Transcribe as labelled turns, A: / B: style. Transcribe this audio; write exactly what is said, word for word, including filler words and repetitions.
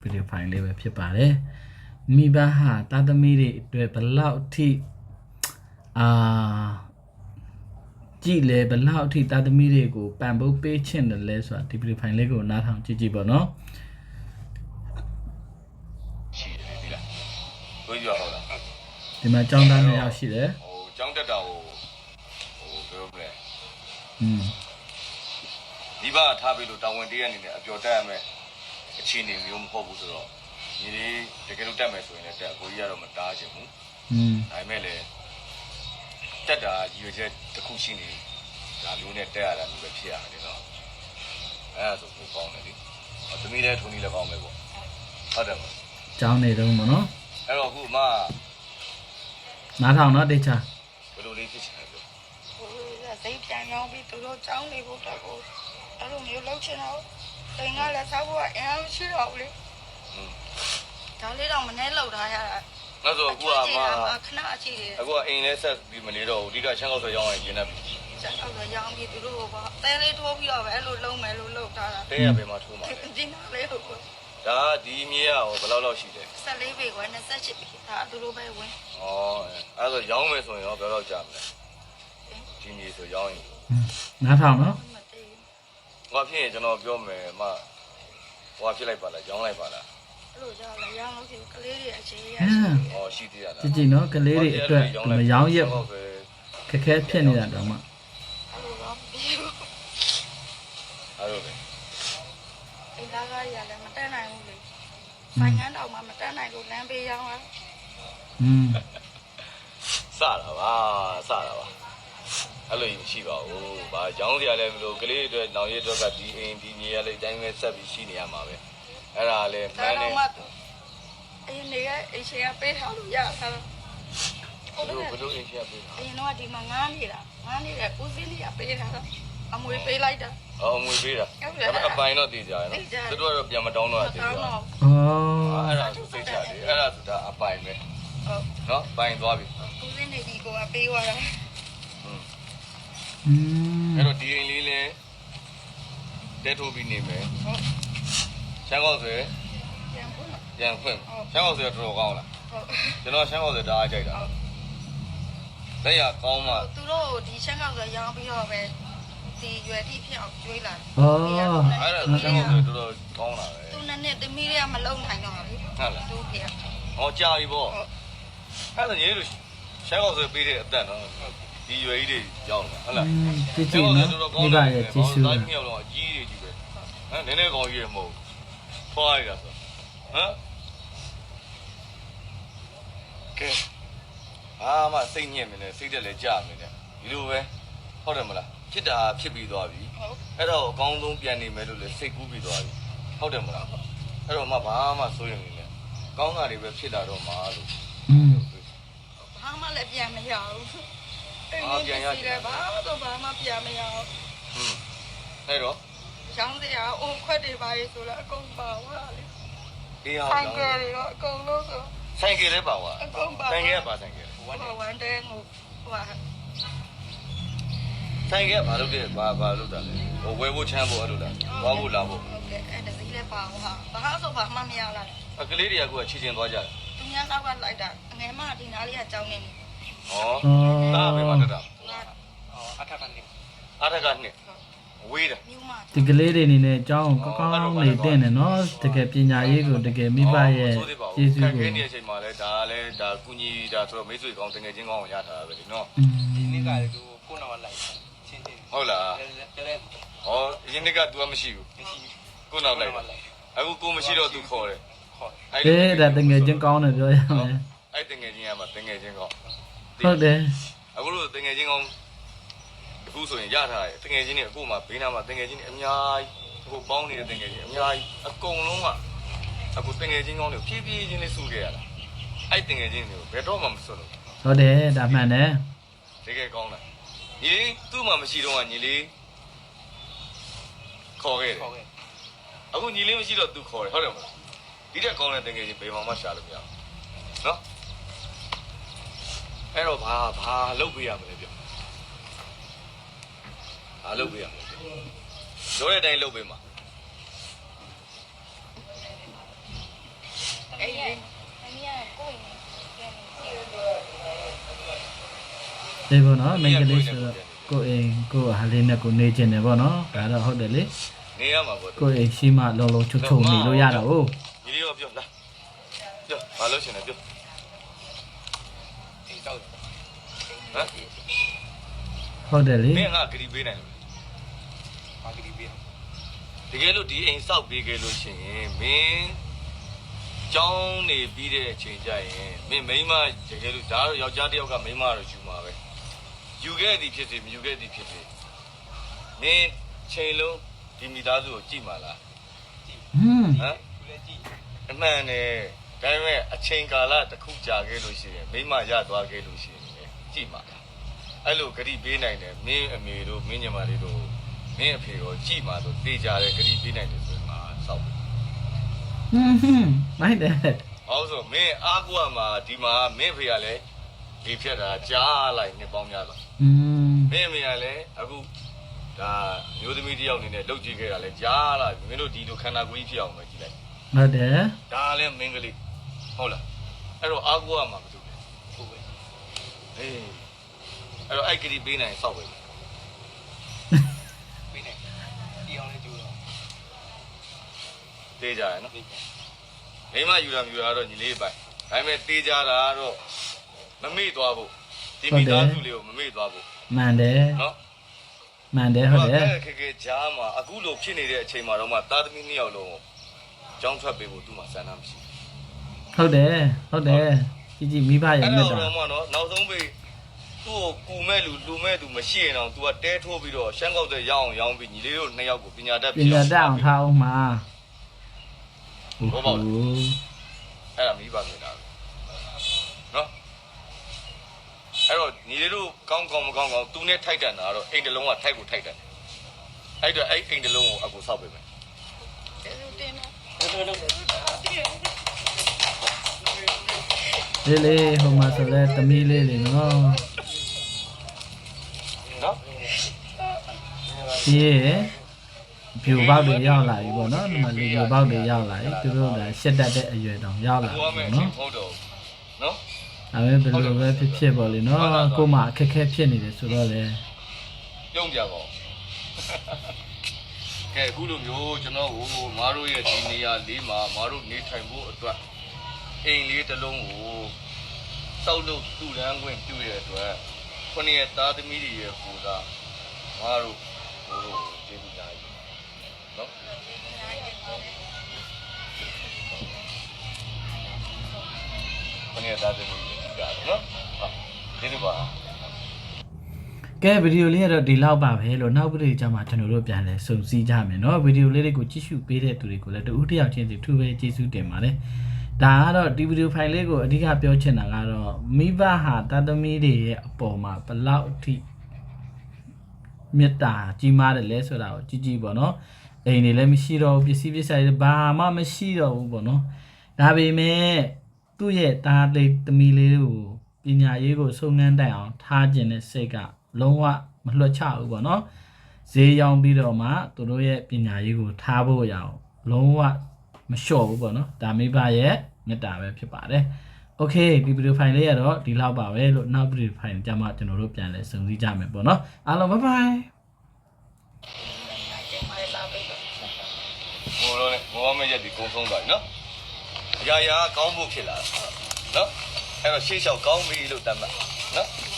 A: ဗီဒီယိုဖိုင်လေးပဲဖြစ်ပါတယ်မိဘဟာတာသမီတွေအတွက်ဘလောက်အထိအာကြည့်လေဘလောက်အထိတာသမီတွေကိုပံ့ပိုးပေးချင်တယ်လဲဆိုတာဒီဗီဒီယိုဖိုင်လေးကိုနားထောင်ကြည့်ကြည့်ပါနော်
B: ရှိတယ်ဒီလားကိုကြီးပြောဟုတ်လား
A: ဒီမှာចောင်းသားနှစ်ယောက်ရှိတယ်
B: ဟိုចောင်းတက်တာကိုဟိုပြောမလဲ
A: อืม
B: ဒီဘထားပြီးလို့တာဝန်တရအနေနဲ့အပျော်တက်ရမယ်အခြေအနေမျိုးမဟုတ်ဘူးဆိုတော့ညီလေးတကယ်လို့တက်မယ်ဆိုရင်လည်းတက်ကိုကြီးကတော့မတားချင်ဘူး
A: อืม
B: ဒါပေမဲ့လည်းတက်တာရည်ရွယ်ချက်တစ်ခုရှိနေဒါမျိုးနဲ့တက်ရတာမျိုးပဲဖြစ်ရတယ်နော်အဲ့ဒါဆိုကိုကောင်းတယ်လေသမီးလည်းထုံးကြီးလည်းကောင်းမယ်ပေါ့ဟုတ်တယ်မလား
A: ចောင်းနေတော့မနော်
B: အဲ့တော့အခုမ
A: နားထောင်တော့တေချာ
B: ဘယ်လိုလေးဖြစ်ချင်လဲပြော
C: ဟိုစိတ်ပြန်ကြောင်းပြီးသူတို့ကြောင်းနေဖို့တော့ကိုအဲ့လိုမျိုးလုပ်ချင်တော့တိမ်ကလည်းစားဖို့ကအင်းရှိတော့ဘူးလေ
B: อืม
C: ဒါလေးတော့မနှဲလောက်ထားရတာ
B: အဲ့ဆိုအခုကမ
C: ခဏအချိတယ်
B: အခုကအိမ်လဲဆက်ပြီးမနေတော့ဘူးအဓိကချမ်းကောက်ဆွဲရောင်းရင်ကျင်းနေပြီ
C: ချမ်းကောက်ဆွဲရောင်းပြီးသူတို့ကတဲလေးထိုးပြီးတော့ပဲအဲ့လိုလုံးမယ်လို့လုပ်ထားတာ
B: တဲရပဲမှာထိုးမှာ
C: ဒီနာလေးဟုတ်ကော
B: ဒါဒီမြေကရောဘယ်လောက်လောက်ရှိလဲ
C: ဆယ်လေးပေကွယ်နှစ်ဆယ့်ရှစ်ပေဒါသူတို့ပဲဝင်
B: ဩအဲ့ဆိုရောင်းမယ်ဆိုရင်ရောဘယ်လောက်ကြာမလဲဒီမြေဆိုရောင်းရင်
A: နားထောင်နော်
B: ဟောဖြစ်ရင်ကျွန်တော်ပြောမယ်မဟောဖြစ်လိုက်ပါလားရောင်းလိုက်ပါလား
C: အဲ့လိုကြောက်လာရောင်းလို့ဒီကလေးတွေအခြေရ
B: ရှိဩရှိသေးရလား
A: ကြည့်ကြည့်နော်ကလေးတွေအတွက်မရောင်းရက်ခက်ခဲဖြစ်နေတာတော့မှ
C: အဲ့လိုတော့ပြီးဘူး
B: အဲ့လိုပဲ
C: အိမ်သားကားကြီးကလည်းမတက်နိုင်ဘူးလေဆိုင်ငန်းတော့မှမတက်နိုင်လို့လမ်းပေးရောင်းတာ
A: อืม
B: စတာပါစတာပါအဲ့လိုရှိပါဘူး။ဘာရောင်းစရာလည်းမလိုကလေးတွေအတွက်နောင်ရည်အတွက်ကဒီအိမ်ဒီမြေရလေးအတိုင်းပဲဆက်ပြီးရှိနေရမှာပဲ။အဲ့ဒါလည်းမှန်တယ်
C: ။အရင်နေရဲ့အိမ်ရှင်ကပေးထားလို့ရတာ
B: ။ဟုတ်တယ်ဘယ်လိုအိမ်ရှင်ကပေးထား
C: ။အရင်တော့ဒီမှာငားနေတာငားနေတဲ့ဦးစင်းကြီးကပေးထားတာအမွေပေးလိုက်တာ
B: ။အော်အမွေပေးတာ။ဒါပေမဲ့အပိုင်တော့တည်ကြရနော်။သူတို့ကတော့ပြန်မတောင်းတော့တည်ကြ။
A: အော်
B: အဲ့ဒါဆိုစိတ်ချတယ်။အဲ့ဒါဆိုဒါအပိုင်ပဲ။ဟုတ်။နော်ပိုင်သွားပြီ
C: ။ဦးစင်းနေဒီကိုကပေးသွားတာ။
A: อืม
B: အဲ့တော့ဒီအိမ်လေးလဲတဲထိုးပြီးနေမယ်ဟုတ်ရှမ်းကောက်ဆွဲ
C: ပြန်ဖွင့်
B: ပြန်ဖွင့်ရှမ်းကောက်ဆွဲတော်တော်ကောင်းလားဟုတ်ကျွန်တော်ရှမ်းကောက်ဆွဲတအားကြိုက်တာလက်ရကောင်းမှ
C: သူတို့ဒီရှမ်းကောက်ဆွဲရောင်းပြီးတော့ပဲဒီရွယ်တိဖြစ်အောင်ကျွေးလာ
A: ဩအဲ့
B: ဒါရှမ်းကောက်ဆွဲတော်တော်ကောင်းလာပဲ
C: သူနဲ့နဲ့တမီးတွေကမလုံနိုင်တော့ဘူး
B: ဟုတ်လား
C: သူဖေ
B: ဟောကြာပြီပေါ့အဲ့ဒါညီတို့ရှမ်းကောက်ဆွဲပေးတဲ့အသက်နော်ဒီရွယ်ကြီးတွေရောက်လာဟုတ်လား
A: ကြည့်ကြည့်နော်ဒီပါရဲ့ကြည့်ရှု
B: တာမြောက်တော့အကြီးတွေကြီးပဲဟမ်နည်းနည်းကောင်ကြီးရမဟုတ်ဖွားရတာဆိုဟမ်ကဲအာမစိတ်ညစ်နေတယ်စိတ်တက်လည်းကြာနေတယ်ဒီလိုပဲဟုတ်တယ်မလားဖြစ်တာဖြစ်ပြီးသွားပြီအဲ့တော့အကောင်းဆုံးပြန်နေမယ်လို့လည်းစိတ်ကူးပြီးသွားပြီဟုတ်တယ်မလားအဲ့တော့မှဘာမှစိုးရင်နေတယ်ကောင်းတာတွေပဲဖြစ်လာတော့မှာလို့
A: อืม
C: ဘာမှလည်းပြန်မရဘူးအာပြန်ရတယ်ဘာတော့ဘာမှပြန်မရအောင်
B: ဟွန်းအဲ့တော့
C: ရောင်းစရာအိုးခွက်တွေပါလေဆိုတော့အကုန်ပါသွားလေ
B: အေးဟာ
C: ဆိုင်ကယ်တွေတော့အကုန်လုံးဆို
B: ဆိုင်ကယ်လည်းပါသွား
C: အကုန်ပါ
B: ဆိုင်ကယ်ကပါဆိုင်ကယ်
C: ဝမ်းဝမ်းတဲဟိုဟိုဟာ
B: ဆိုင်ကယ်ဘာလုပ်တယ်ဘာဘာလုပ်တာလဲဟိုဝဲဖို့ချမ်းဖို့အဲ့လိုလားသွားဖို့လာဖို့
C: ဟုတ်ကဲ့အဲ့ဒါစီးလည်းပါဟိုဟာဘာဆိုဘာမှမရလား
B: အကလေးတွေကကချီချင်းသွားကြတယ်
C: သူများတော့ကလိုက်တာအငယ်မဒီနားလေးကကြောင်းနေတယ်
B: ဩဒါပဲမတတာ
C: အထက်ကနေ
B: အထက်ကနေဝေးတယ်
A: ဒီကလေးတွေအနေနဲ့အကြောင်းကောင်းကောင်းနေတင်တယ်နော်တကယ်ပညာရေးကိုတကယ်မိဘရဲ့ကျေးဇူးကို
B: ခက်ခဲနေတဲ့အချိန်မှာလဲဒါလည်းဒါကုညီဒါဆိုတော့မိတ်ဆွေကောင်းတကယ်ချင်းကောင်းကိုရထားတာပဲဒီနော်
D: ဒီနေ့ကလည်းသူကိုနောက်လိုက်ချင်းချင်း
B: ဟုတ်လားဟောဒီနေ့က तू မရှိဘူးကိုနောက်လိုက်အခုကိုမရှိတော့ तू ခေါ်တယ်
A: ခေါ်အေးဒါတကယ်ချင်းကောင်းတယ်ပြောရမယ်
B: အဲ့တကယ်ချင်းကမှတကယ်ချင်းကောင်း
A: ဟုတ်တယ်
B: အခုလို့တကယ်ချင်းကောင်းအခုဆိုရင်ရထားတယ်တကယ်ချင်းတွေအခုမှဘေးနားမှာတကယ်ချင်းတွေအများကြီးအခုပေါင်းနေတဲ့တကယ်ချင်းအများကြီးအကုန်လုံးကအခုတကယ်ချင်းကောင်းတွေဖြည်းဖြည်းချင်းလေးစုခဲ့ရတာအဲ့တကယ်ချင်းတွေကိုဘယ်တော့မှမစွလို့
A: ဟုတ်တယ်ဒါမှန်တယ်
B: တကယ်ကောင်းတာညီလေးသူ့မှာမရှိတော့ကညီလေးခေါ်ခဲ့တယ်အခုညီလေးမရှိတော့ तू ခေါ်တယ်ဟုတ်တယ်မလားဒီတက်ကောင်းတဲ့တကယ်ချင်းဘယ်မှမရှာလို့မရဘူးနော်အဲ့တော့ဘာဘာလုပ်ပေးရမလဲပြောဘာလုပ်ပေးရမလဲပြောတဲ့အတိုင်းလုပ်ပေးမှာ
A: ဒီဘောနော်မိန်းကလေးဆိုတော့ကိုအိမ်ကိုဟာလေးနဲ့ကိုနေကျင်တယ်ဘောနော်ဒါတော့ဟုတ်တယ်လေ
B: နေရမှာပေါ့
A: ကိုအိမ်ရှိမှလုံလုံချုံချုံနေလို့ရတော့ဟုတ်
B: ညီလေးရောပြောလားပြောဘာလို့ရှင်လဲပြော
D: ဒီတော့
B: ဟမ်
A: ဟုတ်တယ်လေ
B: မင်းငါဂရီပေးနိုင်လို့
D: မာကတီပေး
B: တကယ်လို့ဒီအိမ်စောက်ပေးခဲ့လို့ရှိရင်မင်းကျောင်းနေပြီးတဲ့အချိန်ကျရင်မင်းမိန်းမတကယ်လို့ဒါတော့ယောက်ျားတစ်ယောက်ကမိန်းမတော့ယူမှာပဲယူခဲ့သည်ဖြစ်စေမယူခဲ့သည်ဖြစ်စေမင်းချိန်လုံးဒီမိသားစုကိုကြည့်ပါလား
A: ဟွန်း
B: ဟမ်
D: သူလည်းကြည့်
B: အမှန်နဲ့ဒါပေမဲ့အချိန်ကာလတစ်ခုကြာခဲ့လို့ရှိရင်မိန်းမရသွားခဲ့လို့ရှိရင်ကြည့်ပါလားအဲ့လိုဂရီပေးနိုင်တယ်မင်းအမေတို့မင်းညီမလေးတို့မင်းအဖေတို့ကြည့်ပါဆိုတေးကြတယ်ဂရီပေးနိုင်တယ်ဆိုရင်ငါစောက်
A: ဟွန်းဟွန်းမိုက်တယ်
B: ဟုတ်ဆိုမင်းအားကိုးမှာဒီမှာမင်းဖေကလည်းဒီဖြတ်တာကြားလိုက်နှစ်ပေါင်းများသွား
A: อืม
B: မင်းအမေကလည်းအခုဒါမျိုးသမီးတစ်ယောက်အနေနဲ့လှုပ်ကြည့်ခဲ့တာလည်းကြားလာပြီမင်းတို့ဒီလိုခန္ဓာကိုယ်ကြီးဖြစ်အောင်ပဲကြည့်လိုက်
A: ဟုတ်တယ်
B: ဒါလည်းမင်းကလေးဟုတ်လားအဲ့တော့အားကိုးမှာမတူဘူး
D: ကိုပဲ
B: ဟေးအဲ့တော့အဲ့ကလေးပေးနိုင်စောက်ပဲ
D: ပေးနေဒီအောင်လေးကြိုးတော့
B: တေးကြရနော်
D: ပေး
B: မိမယူတာယူတာတော့ညီလေးပိုင်ဒါပေမဲ့တေးကြတာတော့မမေ့သွားဘူးဒီမိသားစုလေးကိုမမေ့သွားဘူး
A: မှန်တယ်
B: နော်
A: မှန်တယ်ဟုတ်တယ်
B: ခေခေကြားမှာအခုလိုဖြစ်နေတဲ့အချိန်မှာတော့မှသားသမီးနှစ်ယောက်လုံးကိုကြောင်းထွက်ပေးဖို့သူ့မှာစံနှမရှိ
A: ဟုတ်တယ်ဟုတ်တယ်ជីជីမိဘရဲ့
B: အဲ့
A: မြတ်
B: တော့
A: တာ
B: တော့မှနော်နောက်ဆုံးပေးသူ့ကိုကူမဲ့လူလူမဲ့သူမရှိရင်တော့ तू ကတဲထိုးပြီးတော့ရှမ်းကောက်တဲ့ရအောင်ရောင်းပြီးညီလေးတို့နှစ်ယောက်ကိုပညာတတ်
A: ပညာတတ်အောင်ထားအောင်မှာ
B: ဘောပေါက်အဲ့ဒါမိဘမြင်တာနော်အဲ့တော့ညီလေးတို့ကောင်းကောင်းမကောင်းကောင်းသူနဲ့ထိုက်တန်တာတော့အိမ်တလုံးကထိုက်ကိုထိုက်တန်တယ်အဲ့တော့အဲ့အိမ်တလုံးကိုအကူဆောက်ပေးမယ်
C: ကျေးဇူးတင်ပါ
A: လေးလေးဟိုမှာဆိုလဲသမီးလေးလေးနော်
B: နော်
A: ဒီရဲ့ဖြူပေါက်တွေရောက်လာပြီပေါ့နော်ဒီမှာလူဖြူပေါက်တွေရောက်လာပြီသူတို့ကရှက်တတ်တဲ့အရွယ်တောင်ရောက်လာ
B: ဟို
A: ပြီ
B: ကမဲ့
A: နော်
B: ဟုတ်တော့နော်
A: ဒါပဲဘယ်လိုပဲဖြစ်ဖြစ်ပေါ့လေနော်ကို့မှာအခက်အခဲဖြစ်နေတယ်ဆိုတော့လေ
B: ပြုံးပြပါဦးကဲအခုလိုမျိုးကျွန်တော်ဟိုမားတို့ရဲ့ဒီနေရာလေးမှာမားတို့နေထိုင်ဖို့အတွက်အိမ်လေးတစ်လုံးကိုစောက်လို့တူတန်းခွင့်ပြုရတဲ့အတွက်ခုနှစ်ရက်သားသမီးတွေရဲ့ပူဇာမားတို့ဟိုတို့ကျေးဇူးများကြီးနော်ခုနှစ်ရက်သားသမီးတွေကြတယ်နော်ဟုတ်ကျေးဇူးပါ
A: ကဲဗီဒီယိုလေးကတော့ဒီလောက်ပါပဲလို့နောက်ဗီဒီယိုကြမှာကျွန်တော်တို့ပြန်လဲစုံစည်းကြမယ်เนาะဗီဒီယိုလေးတွေကိုကြည့်ရှုပေးတဲ့သူတွေကိုလည်းတူဦးတစ်ယောက်ချင်းစီထူပဲကျေးဇူးတင်ပါတယ်ဒါကတော့ဒီဗီဒီယိုဖိုင်လေးကိုအဓိကပြောချင်တာကတော့မိဘဟာတသမီးတွေရဲ့အပေါ်မှာဘလောက်အထိမေတ္တာကြီးမားတယ်လဲဆိုတာကိုကြည့်ကြည့်ပေါ့เนาะအိမ်တွေလည်းမရှိတော့ဘူးပစ္စည်းပစ္စည်းတွေဘာမှမရှိတော့ဘူးပေါ့เนาะဒါပေမဲ့သူ့ရဲ့သားလေးသမီးလေးကိုပညာရေးကိုစုံငန်းတိုင်အောင်ထားခြင်းနဲ့စိတ်ကလုံးဝမလွှတ်ချဘူးပေါ့နော်ဈေးရောင်းပြီးတော့မှသူတို့ရဲ့ပညာရေးကိုထားဖို့ရအောင်လုံးဝမလျှော့ဘူးပေါ့နော်ဒါမိဘရဲ့မေတ္တာပဲဖြစ်ပါတယ်โอเคဒီဗီဒီယိုဖိုင်လေးကတော့ဒီလောက်ပါပဲလို့နောက်ဗီဒီယိုဖိုင်ကြမှာကျွန်တော်တို့ပြန်လဲစုံစည်းကြမယ်ပေါ့နော်အားလုံးဘိုင်ဘိုင်
B: ဟိုတော့လေဘောမရက်ဒီကုန်းဆုံးသွားပြီနော်အရာရာကောင်းဖို့ဖြစ်လာတာနော်အဲ့တော့ရှေ့လျှောက်ကောင်းပြီလို့တတ်မှတ်နော်